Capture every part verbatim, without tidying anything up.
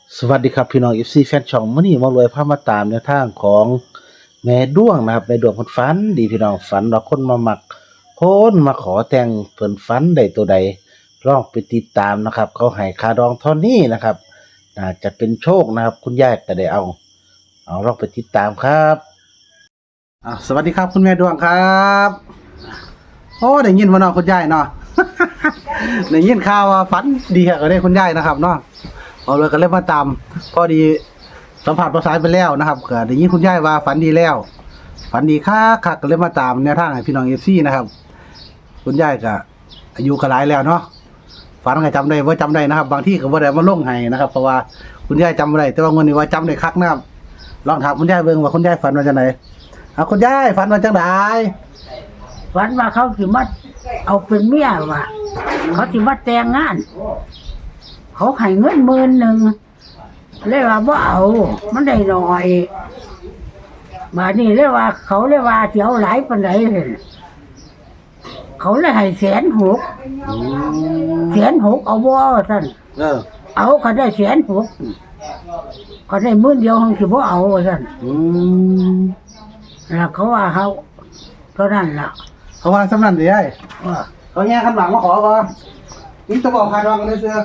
สวัสดีครับพี่น้อง เอฟ ซี แฟนช่องมื้อนี้มารวยพามาตามแนวทางของแม่ดวงนะครับแม่ดวงเพิ่นฝันดีพี่น้องฝันว่าคนมามักคนมาขอแต่งเพิ่นฝันได้ตัวใดลองไปติดตามนะครับ เขาให้ค่าดองเท่านี้นะครับน่าจะเป็นโชคนะครับ คุณยายก็ได้เอาเอาลองไปติดตามครับอ่าสวัสดีครับคุณแม่ดวงครับโอ้ได้ยินบ่เนาะคุณยายเนาะ ได้ยินข่าวว่าฝันดีก็ได้คุณยายนะครับเนาะเอาเลยก็เลยมาตามพอดีสัมผัสประสานไปแล้วนะครับก็ได้ยินคุณยายว่าฝันดีแล้วฝันดีคักคักก็เลยมาตามแนวทางให้พี่น้อง เอฟ ซี นะครับคุณยายก็อายุก็หลายแล้วเนาะฝันก็จำได้บ่จำได้นะครับบางที่ก็บ่ได้มาลงให้นะครับเพราะว่าคุณยายจำบ่ได้แต่ว่างวดนี้ว่าจำได้คักนะครับลองถามคุณยายเบิ่งว่าคุณยายฝันว่าจังไดเอาคุณยายฝันว่าจังไดฝันว่าเขาสิมาเอาเป็นเมียว่ะเขาสิมาแต่งงาน เขาให้เงินหมื่นหนึ่งเลยว่าบ่เอา มันได้น้อยบาดนี้เลยว่า เขาเลยว่าสิเอาหลายปานใดเห็นเขาเลยให้แสนหกแสนหกเอาบ่ท่านเออเอาเขาได้แสนหกเขาได้หมื่นเดียวคงสิบ่เอาท่านอืมแล้วเขาว่าเขาเท่านั้นล่ะเขาว่าสำนันสิยายว่าเขาแย่ขันหลังมาขอก่อนนี่จะบอกใครดองกันเลยเสือ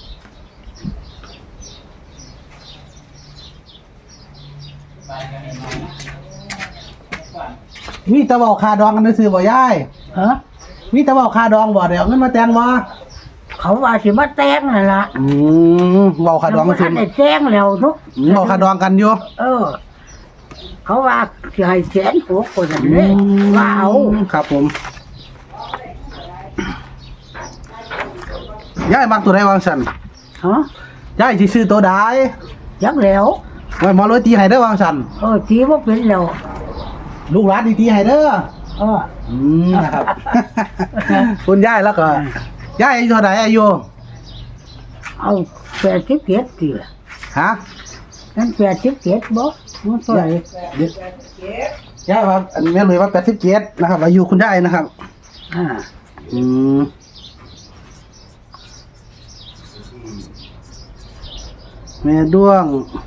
มีตะบอกคาดองกันเลยซื้อบ่ยายฮะมีตะบอกคาดองบ่เดี๋ยวเอาเงินมาแต่งบ่เขาว่าสิมาแต่งนั่นล่ะอืมเว้าคาดองกันสิสิได้แต่งแล้วเนาะอืมเว้าคาดองกันอยู่เออ เขาว่าสิให้แสนหกคนนั้นเลยว่าเอาครับผมยายมักตัวใดวางซั่นฮะยายสิซื้อตัวใดจักแล้วไว้หมอรวยตีให้เด้อวางซั่นเออทีว่าเป็นแล้วลูกหลานดีตีให้เด้อเอออืมนะครับ คุณยายแล้วก็ยายอายุเท่าไหร่อายุเอาแปดสิบเจ็ดตีฮะนั่นแปดสิบเจ็ดบ่มันเท่าไหร่ยายครับอันนี้เลยว่าแปดสิบเจ็ดนะครับอายุคุณยายนะครับอ่าอืมแม่ด้วง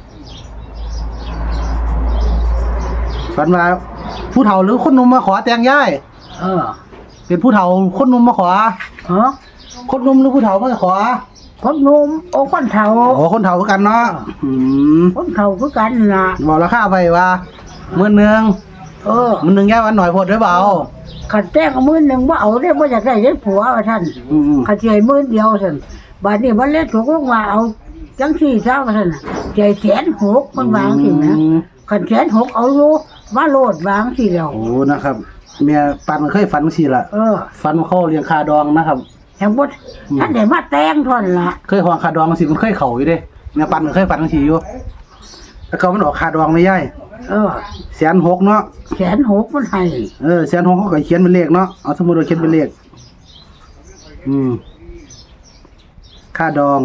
ฝันว่าผู้เฒ่าหรือคนหนุ่มมาขอแต่งยายเออเป็นผู้เฒ่าคนหนุ่มมาขอฮะคนหนุ่มหรือผู้เฒ่ามาขอคนหนุ่มโอ้คนเฒ่าโอ้คนเฒ่าคือกันเนาะอืมคนเฒ่าคือกันล่ะบอกราคาไปว่าหมื่นหนึ่งเออหมื่นหนึ่งยายวันหน่อยพอดได้เปล่าขันแต่งมื้อหนึงบ่เอาได้บ่อยากได้ได้ผัวว่าท่านอืมขันสิให้มื้อเดียวท่านบัดนี้มันเลยถูกลงมาเอาจังซี่ซะว่าท่านน่ะใจแสนหกมันวางสินะอืมขันแสนหกเอาอยู่มาโลดวางสิแล้วโอ้นะครับเมียปันเคยฝันสิล่ะเออฝันว่าเขาเลี้ยงคาดองนะครับแห่งบดท่านได้มาแต่งท่อนละเคยหวงคาดองสิมันเคยเข่าอยู่เด้เมียปันก็เคยฝันสิอยู่แล้วเขามันออกคาดองไม่ย่ายเออแสนหกเนาะแสนหกมันให้เออแสนหกเขาก็เขียนเป็นเลขเนาะเอาสมมุติว่าเขียนเป็นเลขอืมค่าดอง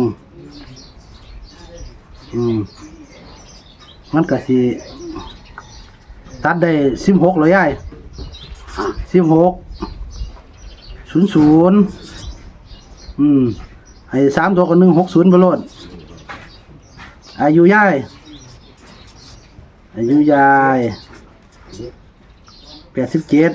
อืมมันก็สิตัดได้สิบหกเลยยายสิบหกศูนย์ศูนย์อืมให้สามตัวกับหนึ่งหกศูนย์บโลดอายุยายอายุยายแปดสิบเจ็ด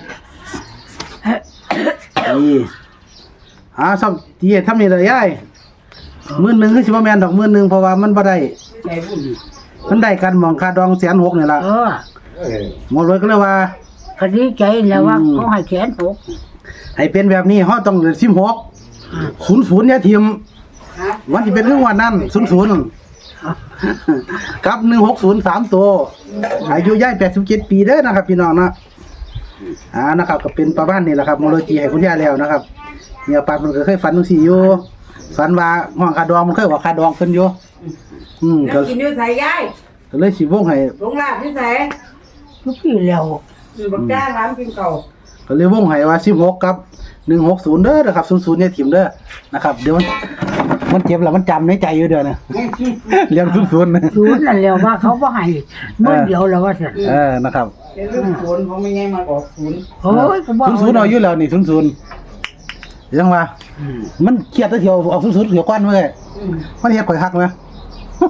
นี่อ่าซ้ำตีทำนี่เลยยายหมื่นหนึ่งคือสิบแมนดอกหมื่นหนึ่งเพราะว่ามันบ่ได้มันได้กันหมองคาดองแสนหกนี่ล่ะเออหมอรวยก็เลยว่าคดีใจแล้วว่าอืมเขาให้แสนหกให้เป็นแบบนี้เฮาต้องสิบหกศูนย์ศูนย์เนี่ยทีมวันที่เป็นเรื่องวันนั้นศูนย์ศูนย์กับหนึ่งหกศูนย์สามตัวอายุย่ายแปดสิบเจ็ดปีเด้อนะครับ พี่น้องนะอ่านะครับก็เป็นประมาณนี้แหละครับโมโลจีให้คุณย่าแล้วนะครับเนี่ยปานมันก็เคยฝันจังซี่อยู่ฝันว่าห้องคาดองมันเคยว่าคาดองเพิ่นอยู่อืมก็กินด้วยใส่ยายก็เลยสิวงให้ลงลาบที่ใส่ทุกที่แล้วบักจ้าร้านกินเก่าก็เลยวงให้ว่าสิบหกกับหนึ่งหกศูนย์เด้อนะครับศูนย์ศูนย์เนี่ยทีมเด้อนะครับเดี๋ยวมันมันเจ็บแล้วมันจำในใจอยู่เด้อนะเรียนศูนย์ศูนย์นะศูนย์นั่นแล้วว่าเขาบ่ให้เมื่อเดียวแล้วว่าซั่นเออนะครับเดี๋ยวเรื่องศูนย์ผมไม่ไงมาออกศูนย์โอ้ยกูบ่ศูนย์ศูนย์เอาอยู่แล้วนี่ศูนย์ศูนย์ยังว่าอืมมันเครียดแตะเที่ยวออกศูนย์ศูนย์เที่ยวกว้านเว้ยมันเฮ็ดข่อยฮักนะ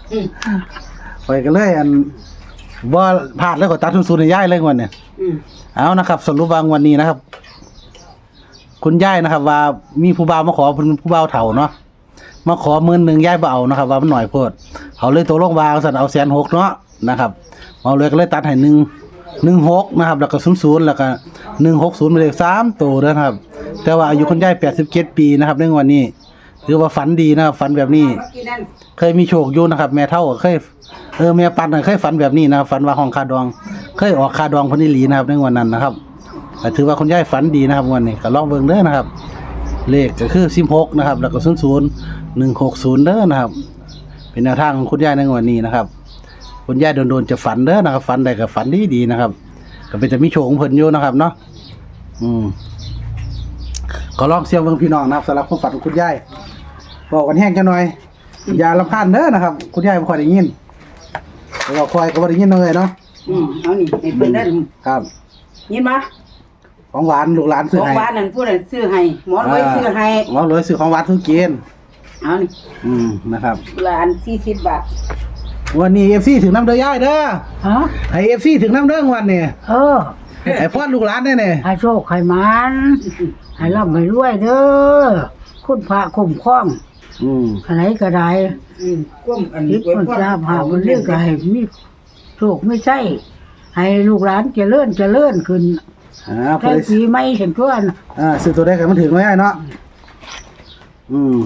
อืมไปกันเลยอันบ่พลาดแล้วก็ตัดทุนศูนย์ให้ยายเลยงวดเนี่ยอืมเอานะครับสรุปวางวันนี้นะครับ คุณยายนะครับ ว่ามีผู้บ่าวมาขอเป็นผู้บ่าวเฒ่าเนาะมาขอหมื่นหนึ่งยายบ่เอานะครับ ว่ามันหน่อยโพดเขาเลยตัวลงวางสั่นเอาแสนหกเนาะนะครับเอาเลยก็เลยตัดให้หนึ่งหนึ่งหกนะครับแล้วก็ศูนย์ศูนย์แล้วก็หนึ่งหกศูนย์เป็นเลขสามตัวเด้อนะครับ แต่ว่าอายุคุณยายแปดสิบเจ็ดปีนะครับในวันนี้ถือว่าฝันดีนะครับฝันแบบนี้เมื่อกี้นั่นเคยมีโชคอยู่นะครับ แม่เฒ่าก็เคยเออแม่ปันน่ะเคยฝันแบบนี้นะครับฝันว่าห้องคาดอง เคยออกคาดองเพิ่นอีหลีนะครับในวันนั้นนะครับก็ถือว่าคุณยายฝันดีนะครับวันนี้ก็ลองเบิ่งเด้อนะครับ เลขก็คือสิบหกนะครับ แล้วก็ศูนย์ศูนย์หนึ่งหกศูนย์เด้อนะครับ เป็นแนวทางของคุณยายในวันนี้นะครับ คุณยายโดนๆจะฝันเด้อนะครับฝันได้ก็ฝันดีๆนะครับ ก็เป็นจะมีโชคของเพิ่นอยู่นะครับเนาะอืมก็ลองเสี่ยงเบิ่งพี่น้องนะครับสำหรับความฝันของคุณยายบอกกันแห้งจังหน่อยอย่ารำคาญเด้อนะครับ คุณยายบ่ค่อยได้ยินแล้วก็ค่อยก็บ่ได้ยินเลยเนาะอืมเอานี่ให้เพิ่นได้ครับยินบ่ของหวานลูกหลานซื้อของให้บ้านนั่นผู้นั้นซื้อให้หมอนไว้ซื้อให้หมอเลยซื้อของหวานซื้อกินเอานี่อืมนะครับละอันสี่สิบบาทวันนี้ เอฟ ซี ถึงน้ำเด้อยายเด้อฮะให้ เอฟ ซี ถึงน้ำเด้อวันนี้เออไอ้พ่อลูกหลานแน่ให้โชคให้มันให้ร่ำให้รวยเด้อคุณพระคุ้มครองๆอืมอะไรก็ได้อืมก้มอันคิดมันทราบหามันเรื่องก็ให้มีโชคไม่ใช่ ให้ลูกหลานเจริญเจริญขึ้นอ่าพอแค่ได้ปีไม่เห็นเพื่อนอ่าซื้อตัวได้กันมันถึงไม่ได้เนาะอืม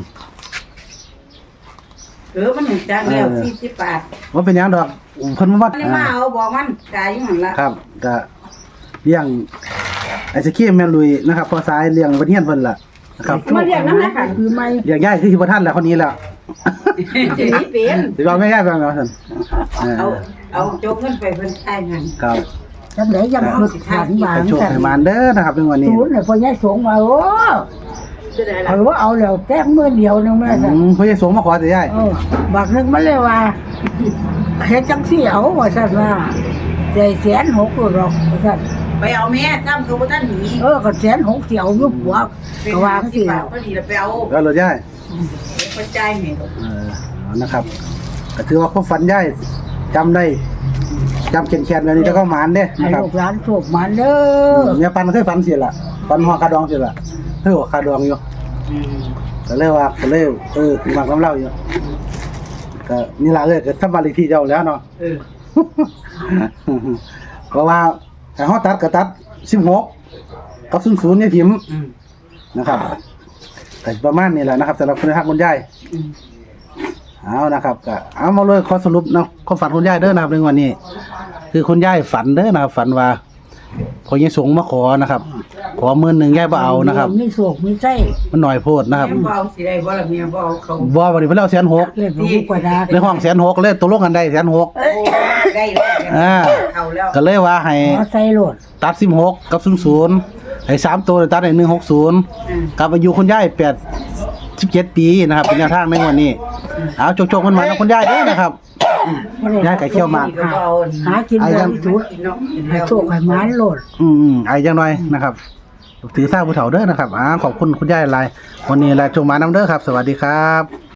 เออมันจังแล้วสี่สิบบาทว่าเป็นหยังดอกเพิ่นมาวัดอันนี้มาเอาบอกมันจ่ายอยู่หั่นละครับก็เลี้ยงไอ้สกี้แม่ลุยนะครับพอสายเลี้ยงบ่เฮียนเพิ่นล่ะนะครับมาเรียกน้ำนะค่ะคือไม่เลี้ยงยายคือสิบ่ทันแล้วคนนี้แล้วสิหนี้เป็นสิเราไม่ยายไปแล้วซั่นเอเอาอเอาโจกเงินไปเพิ่นจ่ายเงินครับจังไหนยังฝึกขันบางให้โชคแต่ให้มานเด้อนะครับในวันนี้ศูนย์เนี่ยพอยายสงมาโอ้จะได้เขาว่าเอาแล้วแต้มมือเดียวนึงแม่อืจ้ะมพ่อใหญ่สงมาขอแต่ยายเออบักนึงมันเลยว่าเฮ็ดจังซี่เอาว่าซั่นว่าใจแสนหกหรอกว่าซั่นไปเอาแม่จ้ำเขาบ่ทันหนีเออก็แสนหกสิเอาอยู่ปัวก็ว่าสิสิบาทพอดีแล้วไปเอาแล้วเหรอยายไปจ่ายแม่เออเอานะครับก็ถือว่าความฝันยายจำได้จำแข็งๆแบบนี้แล้วก็หมานเด้ให้นะครับลูกหลานโชคมันเด้อเนี่ยปันเคยฝันเสียละฝันหัวคาดองเสียละเฮ้ยหัวคาดองอยู่อืมก็เลยว่าก็เลยเออมักน้ำเล่าอยู่ก็นี่ล่ะเลยก็ทำบาลีที่เจ้าแล้วเนาะเออเพราะว่าถ้าเฮาตัดก็ตัดสิบหกกับศูนย์ศูนย์เนี่ยทิมอืมนะครับก็ประมาณนี้แหละนะครับสำหรับคุณทักคุณยายอืมเอานะครับก็เอามาเลยขอสรุปนะความฝันคุณยายเด้อนะครับในวันนี้ คือคุณยายฝันเด้อนะครับฝันว่าพอยังสงมาขอนะครับ ขอหมื่นหนึ่งยายบ่เอานะครับมีโชคมีใจมันหน่อยโพดนะครับแม่บ่เอาสิได้บ่ล่ะแม่บ่เอาเขาบ่วันนี้เพิ่นเอาแสนหกเล่นบ่กว่าดาในห้องแสนหกเลยตกลงกันได้แสนหกโอ้ได้แล้วอ่าเอาแล้วก็เลยว่าให้ขอใส่โลดตัดสิบหกกับศูนย์ศูนย์ให้สามตัวตัดให้หนึ่งหกศูนย์อืมกับอายุคุณยายแปดสิบเจ็ดปีนะครับเป็นแนวทางในวันนี้เอาโจกๆกันมานะคุณยายเด้อนะครับยายไก่เคี่ยวหมากก็บ่เอาหากินไอ้ได้ยังทุกกินเนาะกินให้แล้วโชคให้มันโลดอืมๆไอ้ยังน้อยนะครับ ถือสร้างผู้เฒ่าเด้อนะครับอ่าขอบคุณคุณยายหลายวันนี้ลาจงมาน้ำเด้อครับ สวัสดีครับ